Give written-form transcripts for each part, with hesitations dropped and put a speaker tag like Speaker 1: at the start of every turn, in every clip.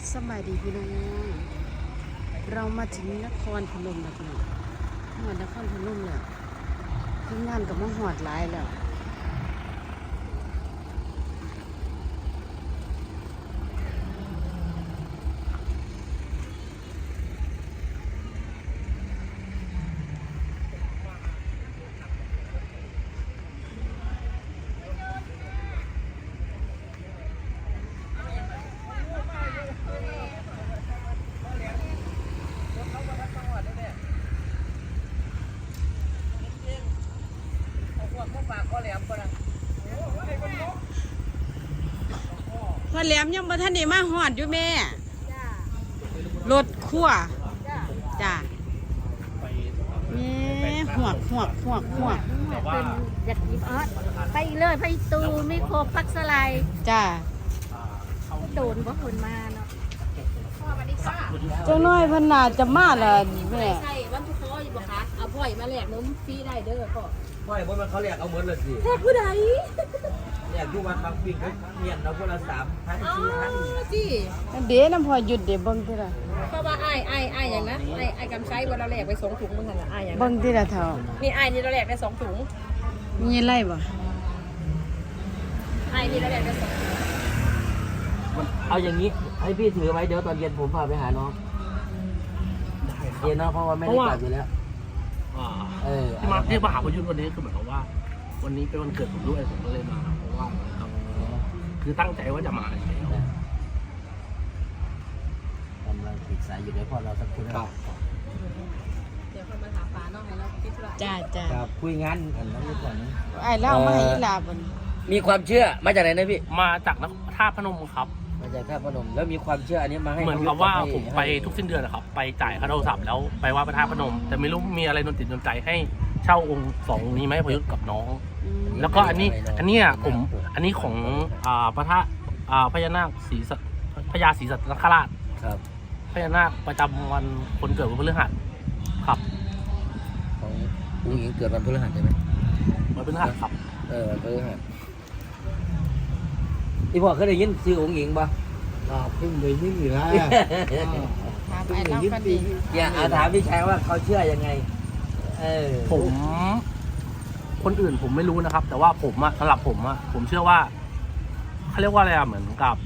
Speaker 1: สบายดีพี่น้องเรามาถึงนครพนมแล้วพี่น้องหอดนครพนมแล้วทีมงานกับมาหอดหลายแล้วพ่อแหลมยังบ่ทันได้มาหอดอยู่แม่รถขั้วจ้าแม่หวก
Speaker 2: เป็นอยากกินออสไปเลยไปตูไม่ครบพักสไลด์
Speaker 1: จ้า
Speaker 2: โดนเพราะคนมาเนาะ
Speaker 1: เจ้าน้อยเพิ่นน่าจะมาล่ะแม่
Speaker 2: ใช่วันทุกข้ออยู่บ่คะเอาพ่อยมาแลกนมฟรีได้เด้อพ่อ
Speaker 3: ไม่เพราะมันเขาเรียกเอาเหมือนเลยสิ
Speaker 2: แลกผู้ใด
Speaker 3: เรียกอยู่วันบางปีเขาเมียนเราคนละ3,000
Speaker 2: อ๋อ
Speaker 3: 4,000
Speaker 2: จี
Speaker 1: เดี๋ยวน้ำพอหยุดเดี๋ยวเบิ่งทีละ
Speaker 2: เพราะว่าไอ้อย่างนะไอ้กำไช้วันเราแลกไป2ถุงมึงหั่นน่ะไอ้อย่าง
Speaker 1: เบิ่งทีละเท่า
Speaker 2: นี่ไอ้นี่เราแลกได้2ถุง
Speaker 1: มีไรบ่
Speaker 2: ไอ้นี่เราแลกได้2ถุง
Speaker 3: เอาอย่างนี้ให้พี่ถือไว้เดี๋ยวตอนเย็นผมพาไปหาน้องเย็นเนาะเพราะว่าไม่ได้กลับอยู่แล้ว
Speaker 4: ที่มาหาพยุทธ์วันนี้คือเหมือนกับว่า วันนี้เป็นวันเกิดผมด้วยผมก็เลยมาเพราะว่าคือตั้งใจว่าจะมาอยู่แล้ว
Speaker 3: กำลังปรึกษาอยู่ในพ่อเราสักคนครับ
Speaker 2: เดี๋ยวคนมาถามป้าน้องให้เราคิดว่า
Speaker 1: จ้า
Speaker 3: ครับคุยงานกันแล้วก่อนนะ
Speaker 1: ไอ้เล่ามาให้อีหลาบ่น
Speaker 3: มีความเชื่อมาจากไหนนะพี่
Speaker 4: มาจากท่าพนมครับ
Speaker 3: มาจากท่าพนมแล้วมีความเชื่ออันนี้มาให้
Speaker 4: เหมือนกับว่าผมไปทุกสิ้นเดือนนะครับไปจ่ายค่าโทรศัพท์แล้วไปไหว้พระธาตุพนม แต่ไม่รู้มีอะไรโดนติดโดนใจให้เช่าองค์สองนี้ไหมพยุทธ์กับน้อง แล้วก็อันนี้อันนี้ของพระธาตุพญานาคพญาศรีสัตนคราช
Speaker 3: ครับ
Speaker 4: พญานาคประจำวันคนเกิดวันพฤหัสครับ
Speaker 3: ของผู้หญิงเกิดวันพฤหัสใช่ไหม
Speaker 4: วันพฤหัสครับ
Speaker 3: วันพฤหัสที่พ่อเคยได้ยินชื่อองค์หญิงป่ะ
Speaker 5: เพิ่งได้ยินอยู่แล้ว
Speaker 1: ถามไอ้เล่ากันดี
Speaker 3: อย่าถามพี่ชายว่าเขาเชื่อยังไง
Speaker 4: ผมคนอื่นผมไม่รู้นะครับ แต่ว่าผมสำหรับผมเชื่อว่าเขาเรียกว่าอะไรเหมือนกับ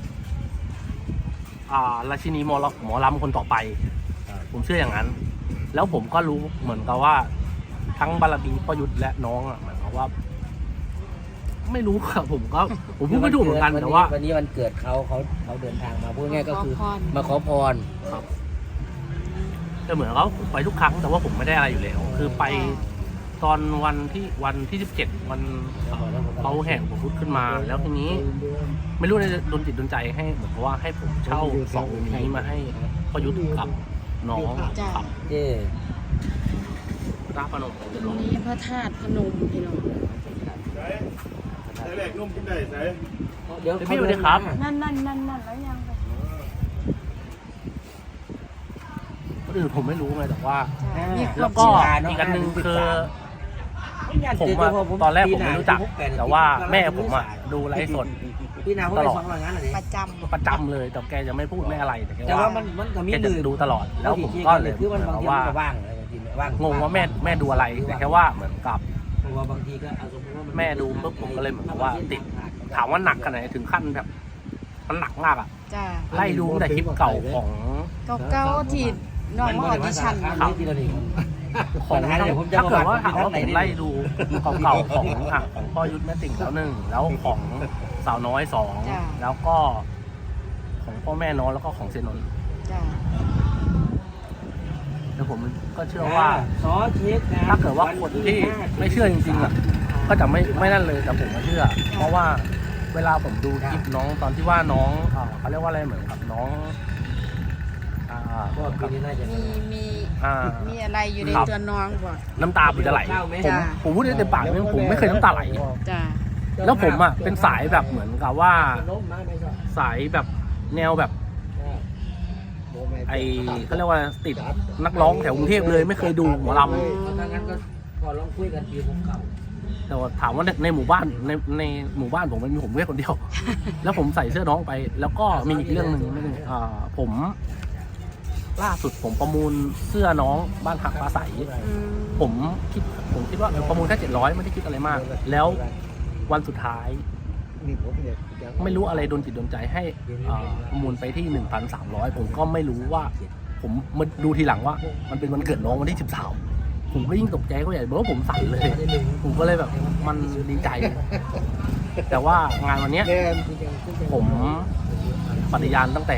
Speaker 4: ราชินีหมอลำคนต่อไป ผมเชื่ออย่างนั้น แล้วผมก็รู้เหมือนกับว่าทั้งบารมีพ่อยุทธและน้องเหมือนกับว่า ไม่รู้ครับผมพูดไม่ถูกเหมือนกันแต่ว่า
Speaker 3: วันนี้วันเกิดเขาเดินทางมาพูดง่ายก็คือมาขอพร
Speaker 4: ครับแต่เหมือนเขาไปทุกครั้งแต่ว่าผมไม่ได้อะไรอยู่แล้วคือไปตอนวันที่17วันเขาแห่งผมพุทธขึ้นมา แล้วทีนี้ไม่รู้ในโดนจิตโดนใจให้เหมือนกับว่าให้ผมเช่าสองนี้มาให้พ่อยุทธกับน้องครับ พระพนม
Speaker 1: นี่พระธาตุพนมพี่น้อง
Speaker 5: ใส่แหลกนุ่มกินได้ใส่
Speaker 3: เดี๋ยว
Speaker 4: พี่สวัสดีครับ
Speaker 1: นั่นแล้วยังไป
Speaker 4: คนอื่นผมไม่รู้ไงแต่ว่า
Speaker 1: มีค
Speaker 4: แล้ว
Speaker 1: าว ม
Speaker 4: ก็
Speaker 1: เชื่อ
Speaker 4: อีกอันหนึ่งคือผมตอนแรกผมไม่รู้จักแต่ว่าแม่ผมดูไลฟ์สด
Speaker 3: พี่นาเขาไปสองงานอะไร
Speaker 1: ประจำ
Speaker 4: เลยแต่แกจะไม่พูดไม่อะไรแต่แก
Speaker 3: แต่ว่า
Speaker 4: ว่า
Speaker 3: มันก็มี
Speaker 4: แกจะดูตลอดแล้วผมก็เลย
Speaker 3: คือมันบางที
Speaker 4: ว่า
Speaker 3: มันก็ว่างอะไรบางทีว่าง
Speaker 4: งงว่าแม่ดูอะไรแต่แค่ว่าเหมือนกับ
Speaker 3: เพราะว่าบางทีก็เอาสมมติว่า
Speaker 4: แม่ดูปุ๊บผมก็เลยเหมือนกับว่าติดถามว่าหนักขนาดไหนถึงขั้นแบบมันหนักมากอ่ะ
Speaker 1: จ้า
Speaker 4: ไล่ดูตั้งแต่คลิปเก่าของ
Speaker 1: เก่าๆที่น้องมาออดิชั่น
Speaker 3: ครับทีละหนึ่ง
Speaker 4: ของถ้าเกิดว่าถามว่าผมไล่ดูเก่าๆของพ่อยุทธแม่ติ่งแล้วหนึ่งแล้วของสาวน้อยสองแล้วก็ของพ่อแม่น้องแล้วก็ของเซนนท์
Speaker 1: จ้า
Speaker 4: แต่ผมก็เชื่อว่า
Speaker 3: ซอเช็ค
Speaker 4: ถ้าเกิดว่าคนที่ไม่เชื่อจริงๆอ่ะก็จะไม่นั่นเลยแต่ผมก็เชื่อ เพราะว่าเวลาผมดูคลิปน้องตอนที่ว่าน้องเขาเรียกว่าอะไรเหมือนกับน้อง
Speaker 3: ก็ปีนี้น่าจะ
Speaker 1: มีอะไรอยู่ในตัวน้องบ่
Speaker 4: น้ำตาผมจะไหลผมพูดได้เต็มปากเลยผมไม่เคยน้ำตาไหล
Speaker 1: จ้า
Speaker 4: แล้วผมอ่ะเป็นสายแบบเหมือนกับว่าสายแบบแนวแบบไอเขาเรียกว่าติดนักร้องแถวกรุงเทพเลยไม่เคยดูหมอลำ
Speaker 3: ถ้างั้นก็พอลองคุยกันปีผมเก่า
Speaker 4: แต่ว่าถามว่าในหมู่บ้านในหมู่บ้านผมมันมีผมแค่คนเดียว แล้วผมใส่เสื้อน้องไป แล้วก็มีอีกเรื่องหนึ่งผมล่าสุดผมประมูลเสื้อน้องบ้านหักปลาใส ผมคิดว่าประมูลแค่700ไม่ได้คิดอะไรมาก แล้ววันสุดท้ายไม่รู้อะไรโดนจิตโดนใจให้ประมูลไปที่ 1,300 ผมก็ไม่รู้ว่าผมมาดูทีหลังว่ามันเป็นวันเกิดน้องวันที่13ผมก็ยิ่งตกใจก็ใหญ่เพราะว่าผมสั่นเลยผมก็เลยแบบมันดีใจ แต่ว่างานวันเนี้ยผมปฏิญาณตั้งแต่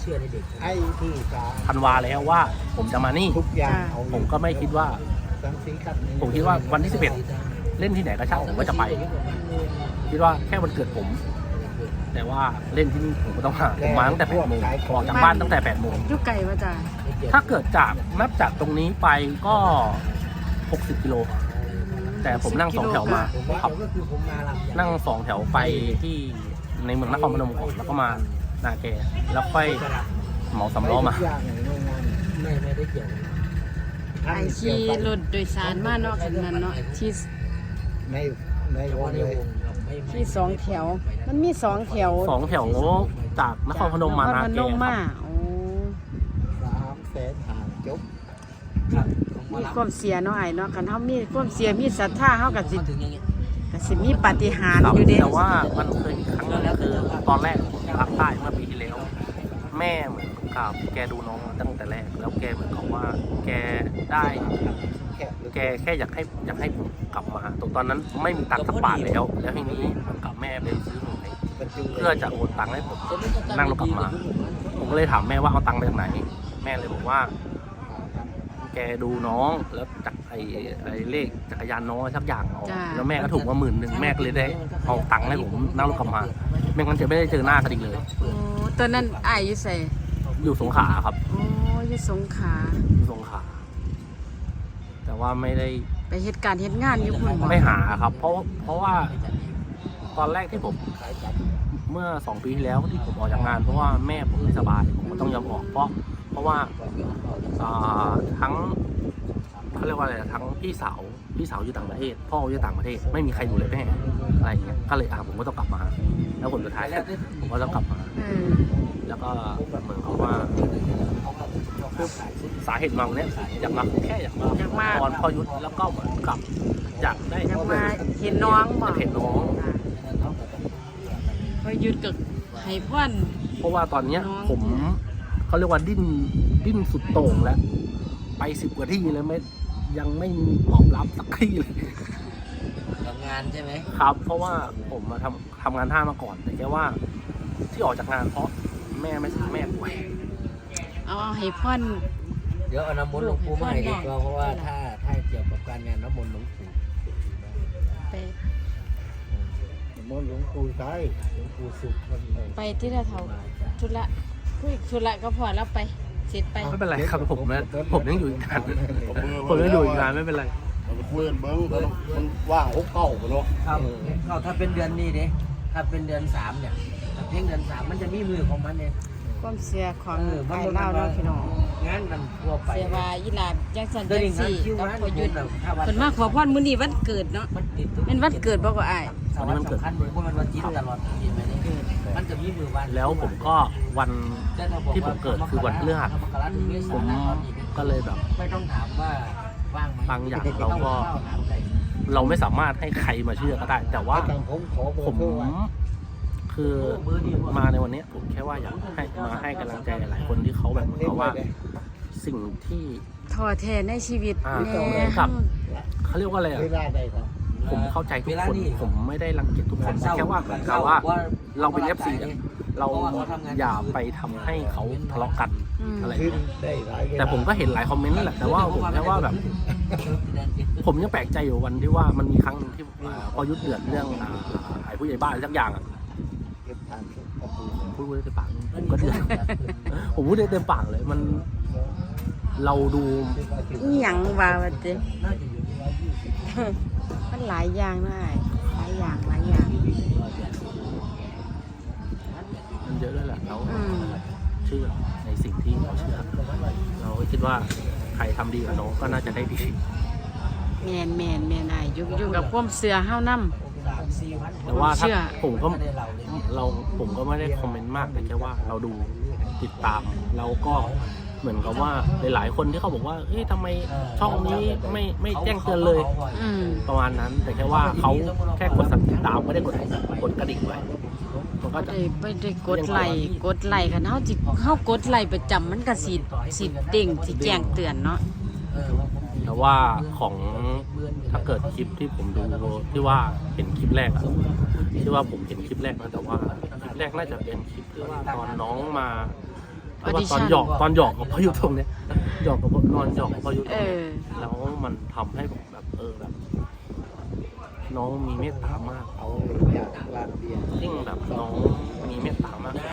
Speaker 4: ธันวาแล้วว่าผมจะมานี่ผมก็ไม่คิดว่าผมคิดว่าวันที่11เล่นที่ไหนก็ช่างผมก็จะไปคิดว่าแค่วันเกิดผมแต่ว่าเล่นที่นี่ผมก็ต้องมาผมมาตั้งแต่8 โมงออกจากบ้านตั้งแต่8 โมง
Speaker 1: อยู่ไกลว่าจ้ะ
Speaker 4: ถ้าเกิดนับจากตรงนี้ไปก็60 กิโลแต่ผมนั่ง2 แถวมาครับนั่ง2 แถวไปที่ในเมืองนครพนมก่อนแล้วก็มานาแกแล้วค่อยเหมา3 ล้อมา
Speaker 3: ไม่ได้เกี่ยว
Speaker 1: ไอขี่รถโดยสารมาเนาะคันนั้นเนาะที่
Speaker 3: ในวงเลย
Speaker 1: ที่2 แถวมันมี2 แถว
Speaker 4: 2 แถวจากนครพนมมานา
Speaker 1: พ
Speaker 4: แก
Speaker 1: นม
Speaker 4: ค
Speaker 1: มา
Speaker 4: รับ
Speaker 1: โอ้
Speaker 3: 300,000ห่างจบ
Speaker 1: มีความเสียเนาะไอ้เนาะคันเฮามีความเสียมีศรัทธาเฮาก็สิมีปาฏิหาริย์อยู่เด้
Speaker 4: แต่ว่ามันเคยมีครั้งนึงคือตอนแรกผมภาคใต้เมื่อปีที่แล้ว แม่เหมือนกับแกดูน้องมาตั้งแต่แรกแล้วแกเหมือนกับว่าแกได้แกแค่อยากให้ผมกลับมาตอนนั้นไม่มีตังค์สักบาทแล้วทีนี้ผมกับแม่ไปซื้อหวยเพื่อจะโอนตังค์ให้ผมนั่งรถกลับมา ผมก็เลยถามแม่ว่าเอาตังค์ไปจากไหน แม่เลยบอกว่า แกดูน้องแล้วจากไอ้เลขจักรยานน้องสักอย่างเอาแล้วแม่ก็ถูกมา10,000แม่ก็เลยได้เอาตังค์ให้ผมนั่งรถกลับมาไม่งั้นจะไม่ได้เจอหน้ากันอีกเลย
Speaker 1: โอ้ตอนนั้นอ้ายอยู่ไส
Speaker 4: อยู่สงขลาครับ
Speaker 1: โอ้อยู่สงขลา
Speaker 4: อยู่สงขลาแต่ว่าไม่ได้
Speaker 1: ไปเฮ็ดการเฮ็ดงานอยู่พุ่นบ่
Speaker 4: ไม่หาครับ เพราะว่าตอนแรกที่ผมเมื่อ2 ปีที่แล้วที่ผมออกจากงานเพราะว่าแม่ผมไม่สบายผมก็ต้องยอมออกเพราะว่าทั้งเขาเรียกว่าอะไรทั้งพี่สาวอยู่ต่างประเทศพ่ออยู่ต่างประเทศไม่มีใครดูเลยแม่อะไรอย่างเงี้ยก็เลยผมก็ต้องกลับมา แล้วผลสุดท้ายผมก็ต้องกลับมา แล้วก็เหมือนกับว่าสาเหตุมาวันนี้อยากมาตอนพ่อยุทธแล้วก็เหมือนกับอยากได้
Speaker 1: อยากมาเห็นน้องบ่
Speaker 4: เห็นน้อง
Speaker 1: พอหยุดก็ให้พร
Speaker 4: เพราะว่าตอนเนี้ย
Speaker 1: น้อง
Speaker 4: ผมเขาเรียกว่าดิ้นสุดโต่งแล้วไป10 กว่าที่แล้วยังไม่มีตอบรับสักที่เลย
Speaker 3: ทำงานใช่ไหม
Speaker 4: ครับ เพราะว่าผมมาทำงานท่ามาก่อนแต่แค่ว่าที่ออกจากงานเพราะแม่ป่วย
Speaker 1: เอาให้พร
Speaker 3: เดี๋ยวเอาน้ำมนต์หลวงปู่มาให้ดีกว่าเพราะว่าถ้าเกี่ยวกับการงานน้ำมนต์หลวงปู่
Speaker 1: ไป
Speaker 3: น้ำมนต์หลวงปู่ใช่หลวงปู่สุข
Speaker 1: ไปที่ละเท่าธุระคุยธุระก็พอแล้วไปเสร็จไป
Speaker 4: ไม่เป็นไรครับผมยังอยู่อีกนานผมยังอยู่อีกนานไม่เป็นไร
Speaker 5: เราไปคุยกันเบิ้งมันว่าง6 เก้าไปเนาะ
Speaker 3: ครับก็ถ้าเป็นเดือนนี้ดิถ้าเป็นเดือน3เนี่ยเพียงเดือน3มันจะมีมือของมันเอง
Speaker 1: ความเสียของไอ้เล่าเนาะพี่น้อง
Speaker 3: งานมันทั่วไป
Speaker 1: เสียว่าอีหลาจังสัน
Speaker 3: เดี๋ยว
Speaker 1: จั
Speaker 3: นี้
Speaker 1: ง
Speaker 3: งาน
Speaker 1: สี่
Speaker 3: คิว
Speaker 1: กับ
Speaker 3: งาน
Speaker 1: พอหยุด
Speaker 3: ถ้าวัน
Speaker 1: เพิ่นมาขอพรมื้อนี้วันเกิดเนาะ
Speaker 3: มันติด
Speaker 1: เป็นวันเกิดบ่ก็อ้าย
Speaker 3: สำคัญเพราะมันวันจีนตลอดเห็นไหมนี่มันจะมีมือวัน
Speaker 4: แล้วผมก็วันที่ผมเกิดคือวันพฤหัสผมก็เลยแบบ
Speaker 3: ไม่ต้องถามว่าว่างไหม
Speaker 4: บางอย่างเราไม่สามารถให้ใครมาเชื่อก็ได้ แต่ว่าผมคือมาในวันนี้ผมแค่ว่าอยากให้กำลังใจหลายคนที่เขาแบบเหมือนกับว่าสิ่งที่
Speaker 1: ท้อแท้ในชีวิต
Speaker 4: แน่ครับเขาเรียกว่าอะไรผมเข้าใจทุกคนผมไม่ได้รังเกียจทุกคนแค่ว่าเหมือนกับว่าเราเป็น FC เราอย่าไปทำให้เขาทะเลาะกันอะไรอย่างเงี้ยแต่ผมก็เห็นหลายคอมเมนต์นั่นแหละแต่ว่าผมแค่ว่าแบบ ผมยังแปลกใจอยู่วันที่ว่ามันมีครั้งนึงที่พอยุทธเดือดเรื่องไอ้ผู้ใหญ่บ้านสักอย่างอ่ะผมพูดได้เต็มปากผมก็เดือด ผมพูดได้เต็มปากเลยมันเราดู
Speaker 1: อีหยังว่าว่าติมันหลายอย่างนะอ้ายหลายอย่าง
Speaker 4: มันเยอะด้วยแหละเราเชื่อในสิ่งที่เราเชื่อเราก็คิดว่าใครทำดีกับน้องก็น่าจะได้ดี
Speaker 1: แม่นอ้ายอยู่กับความเชื่อเฮานำ
Speaker 4: แต่ว่า
Speaker 1: เชื่
Speaker 4: ถ้า
Speaker 1: อ
Speaker 4: ผมก็ไม่ได้คอมเมนต์มากแต่แค่ว่าเราดูติดตามแล้วก็เหมือนกับว่าหลายๆคนที่เขาบอกว่าเฮ้ยทำไมช่องนี้ไม่แจ้งเตือนเลย
Speaker 1: อืม
Speaker 4: ประมาณนั้น แต่แค่ว่าเขาแค่กดติดตามไม่ได้กดกระดิ่งไว้มันก็จะ
Speaker 1: ไม่ได้กดไลค์คันเฮากดไลค์ประจำมันก็สิเด้งสิแจ้งเตือนเนาะ
Speaker 4: แต่ว่าของถ้าเกิดคลิปที่ผมดูที่ว่าเห็นคลิปแรกอะที่ว่าผมเห็นคลิปแรกนะแต่ว่าคลิปแรกน่าจะเป็นคลิปที่ว่าตอนน้องมาที่ว่าตอนหยอกกับพายุตรงเนี้ยหยอกกับนอนหยอกกับพายุตรงเนี้ยแล้วมันทำให้ผมแบบแบบน้องมีเมตตามากยิ่งแบบน้องมีเมตตามาก